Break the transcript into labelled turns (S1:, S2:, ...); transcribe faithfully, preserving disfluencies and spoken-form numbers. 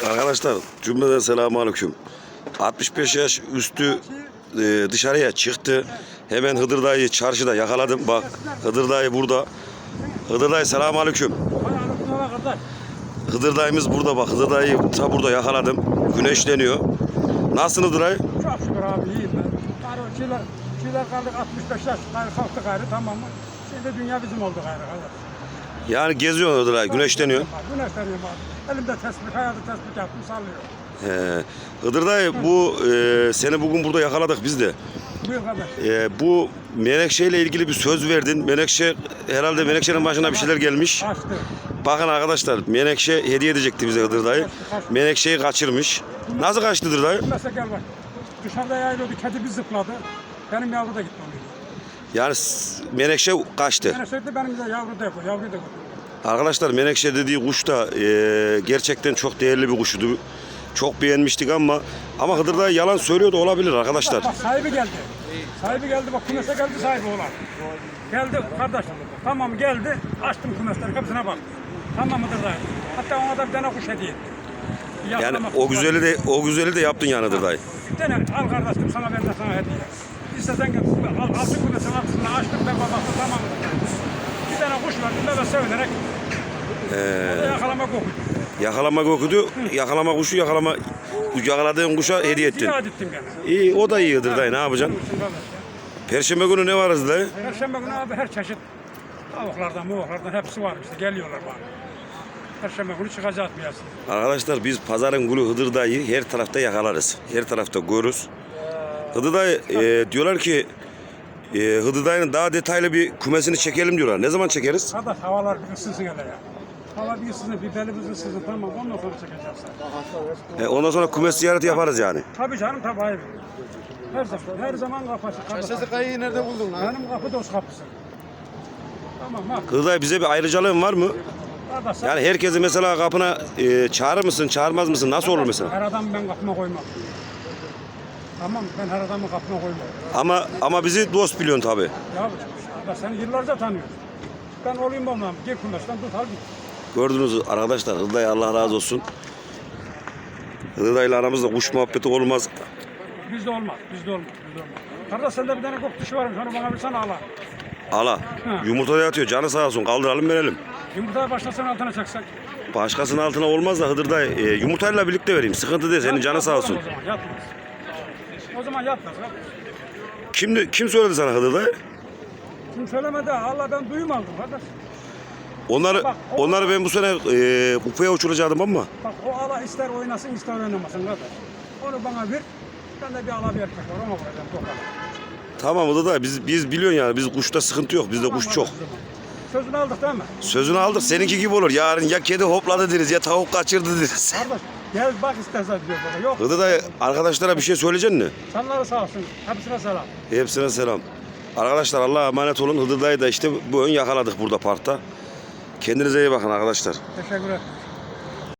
S1: Arkadaşlar cümleden selamünaleyküm. altmış beş yaş üstü e, dışarıya çıktı. Hemen Hıdır dayıyı çarşıda yakaladım. Bak Hıdır dayı burada. Hıdır dayı selamünaleyküm. Hıdır dayımız burada bak. Hıdır dayıyı ta burada yakaladım. Güneşleniyor. Nasılsın Hıdır dayı?
S2: Çok şükür abi iyiyim ben. Gayrı şeyler, şeyler kaldık altmış beş yaş gayrı kalktı gayrı tamam mı? Şimdi dünya bizim oldu gayrı gayrı.
S1: Yani geziyor Hıdır dayı, güneşleniyor.
S2: Güneşleniyorum abi. Elimde tespih, hayatı tespih yaptım sallıyor.
S1: He. Hıdır dayı bu e, seni bugün burada yakaladık biz de.
S2: Buyur kardeş.
S1: E, bu Menekşe ile ilgili bir söz verdin. Menekşe herhalde Menekşe'nin başına bir şeyler gelmiş.
S2: Kaçtı.
S1: Bakın arkadaşlar Menekşe hediye edecekti bize Hıdır dayı. Menekşe'yi kaçırmış. Nasıl kaçtı Hıdır dayı?
S2: Mesela gel bak. Dışarıda yayılıyordu, kedi bir zıpladı. Benim yavru da gitmeliydi.
S1: Yani s- Menekşe kaçtı.
S2: Yani sürekli benim de yavru da yapıyor, yavru da yapıyor.
S1: Arkadaşlar Menekşe dediği kuş da e, gerçekten çok değerli bir kuştu. Çok beğenmiştik ama ama Hıdır dayı yalan söylüyordu olabilir arkadaşlar.
S2: Bak sahibi geldi. Sahibi geldi bak kümese geldi sahibi olan. Geldi kardeş. Tamam geldi. Açtım kümesleri kapısına bak. Tamam mıdır dayı? Hatta ona da bir tane kuş hediye ettim. Bir
S1: Yani
S2: yakalama
S1: o
S2: kuşu var.
S1: güzeli de o güzeli de yaptın yani Hıdır dayı.
S2: Bir tane al kardeşim sana ben de sana hediye. İstersen gel. Al altın kümesin altısını açtım ben babası tamam mıdır? Bir tane kuş verdim ben de sevinerek. Ee, o da yakalamak okudu.
S1: Yakalamak okudu. Yakalama kuşu yakalama yakaladığın kuşa hediye ettin.
S2: İade ettim gene.
S1: İyi o da iyi Hıdır dayı ne yapacaksın?
S2: Bunun için kardeş ya.
S1: Perşembe günü ne var Hıdır dayı?
S2: Perşembe günü abi her çeşit tavuklardan, muvuklardan hepsi var işte geliyorlar bana. Perşembe günü çıkacağız piyasaya.
S1: Arkadaşlar biz pazarın gülü Hıdır dayı her tarafta yakalarız. Her tarafta görürüz. Hıdır dayı e, diyorlar ki e, Hıdır dayının daha detaylı bir kümesini çekelim diyorlar. Ne zaman çekeriz?
S2: Kardeş havalar bir ısınsın hele ya. Hava bir ısınsın, bir belimiz ısınsın tamam ondan sonra çekeceğiz.
S1: E, ondan sonra kümes ziyareti yaparız yani.
S2: Tabii canım tabii hayır. Her zaman, her zaman kapı açık. kardeş.
S3: Sesi kayıyı nerede buldun lan?
S2: Benim kapı dost kapısı. Tamam bak.
S1: Hıdır dayı bize bir ayrıcalığın var mı?
S2: Kardeş sen
S1: Yani herkesi mesela kapına e, çağırır mısın, çağırmaz mısın? Nasıl olur mesela?
S2: her adamı ben kapıma koymam. Tamam ben her adamı kapıma koymam.
S1: Ama ama bizi dost biliyorsun tabii.
S2: Ya kardeş seni yıllarca tanıyorum. Ben olayım olmam. Gel kumaştan tut al git.
S1: Gördünüz arkadaşlar Hıdır dayı Allah razı olsun. Hıdır dayıyla aramızda kuş muhabbeti olmaz.
S2: Bizde olmaz, bizde olmaz, bizde olmaz. Kardeş sende bir tane kok dişi varmış, onu bana bir sana ala.
S1: Ala yumurtada yatıyor canı sağ olsun kaldıralım verelim.
S2: Yumurtaya başlasana altına çaksak.
S1: Başkasının altına olmaz da Hıdır dayı e, yumurtayla birlikte vereyim sıkıntı değil senin canı sağ olsun.
S2: O zaman yatmaz. O zaman yatmaz. Kardeş.
S1: Kim, kim söyledi sana Hıdır dayı?
S2: Kim söylemedi ha, Allah ben duyum aldım kardeş.
S1: Onları,
S2: Bak, o-
S1: onları ben bu sene e, kupaya uçuracaktım ama
S2: Bak o ala ister oynasın ister oynamasın kardeş. Onu bana ver, ben de bir ala bir erkek var, ona vuracağım tokala.
S1: tamam Hıdır dayı biz, biz biliyorsun yani biz kuşta sıkıntı yok bizde
S2: Tamam,
S1: kuş
S2: hadi
S1: çok.
S2: o zaman. Sözünü aldık değil mi?
S1: Sözünü aldık seninki gibi olur yarın ya kedi hopladı deriz ya tavuk kaçırdı deriz.
S2: Kardeş gel bak istersen diyor bana. Yok.
S1: Hıdır dayı arkadaşlara bir şey söyleyeceksin mi?
S2: Sanları sağ olsun. Hepsine selam.
S1: Hepsine selam. Arkadaşlar Allah'a emanet olun. Hıdır dayı da işte bu ön yakaladık burada parkta. Kendinize iyi bakın arkadaşlar.
S2: Teşekkür ederim.